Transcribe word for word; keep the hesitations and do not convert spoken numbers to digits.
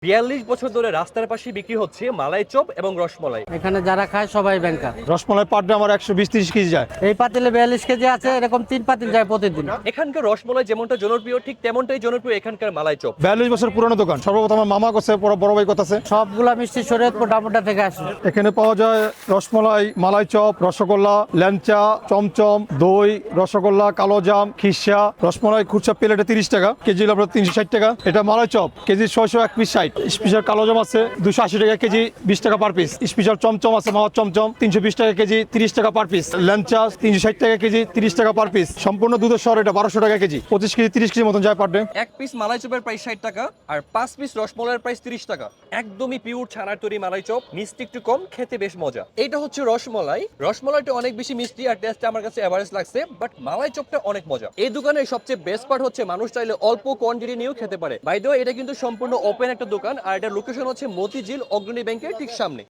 বিয়াল্লিশ বছর ধরে রাস্তার পাশে বিক্রি হচ্ছে মালাই চপ এবং রসমলাই। এখানে যারা খায় সবাই ব্যাংকার। রসমলাই পার ডে আমার একশো বিশ তিরিশ কেজি যায়। এই পাতিলে বিয়াল্লিশ কেজি আছে, এরকম তিন পাতিল যায় প্রতিদিন। এখানকার রসমলাই যেমনটা জনপ্রিয় ঠিক তেমনটাই জনপ্রিয় এখানকার মালাই চপ। বিয়াল্লিশ বছর পুরনো দোকান। সর্বপ্রথম আমার মামা করছে, বড় বড় ভাই করতেছে। সবগুলা মিষ্টি শরীয়তপুর ডামুড্ডা থেকে আসে। এখানে পাওয়া যায় রসমলাই, মালাই চপ, রসগোল্লা, ল্যাংচা, চমচম, দই, রসগোল্লা, কালোজাম, খিরসা। রসমলাই খুচরা প্লেটে তিরিশ টাকা, কেজি হলো আপনার তিনশো ষাট টাকা। এটা মালাই চপ কেজি ছয়শো এক পিস ষাট। স্পেশাল কালোজাম আছে দুশো আশি টাকা কেজি, বিশ টাকা পার পিস। স্পেশাল চমচম আছে মাওয়ার চমচম তিনশো বিশ টাকা কেজি, তিরিশ টাকা পার পিস। ল্যাংচা তিনশো ষাট টাকা কেজি, তিরিশ টাকা পার পিস। সম্পূর্ণ দুধের শহর, এটা বারোশো টাকা কেজি, পঁচিশ কেজি তিরিশ কেজি মতন যায় পার ডে। এক পিস মালাই চপের প্রাইস ষাট টাকা আর পাঁচ পিস রসমলাইয়ের প্রাইস তিরিশ টাকা। একদমই পিওর ছানার তৈরি মালাই চপ, মিষ্টি একটু কম, খেতে বেশ মজা। এটা হচ্ছে রসমলাই। রসমলাইটা অনেক বেশি মিষ্টি আর টেস্টটা আমার কাছে এভারেজ লাগছে, বাট মালাই চপটা অনেক মজা। এই দোকানের সবচেয়ে বেস্ট পার্ট হচ্ছে মানুষ চাইলে অল্প কোয়ান্টিটি নিয়েও খেতে পারে। বাই দ্য ওয়ে, এটা কিন্তু সম্পূর্ণ ওপেন একটা দোকান আর এটার লোকেশন হচ্ছে মতিঝিল অগ্রণী ব্যাংকের ঠিক সামনে।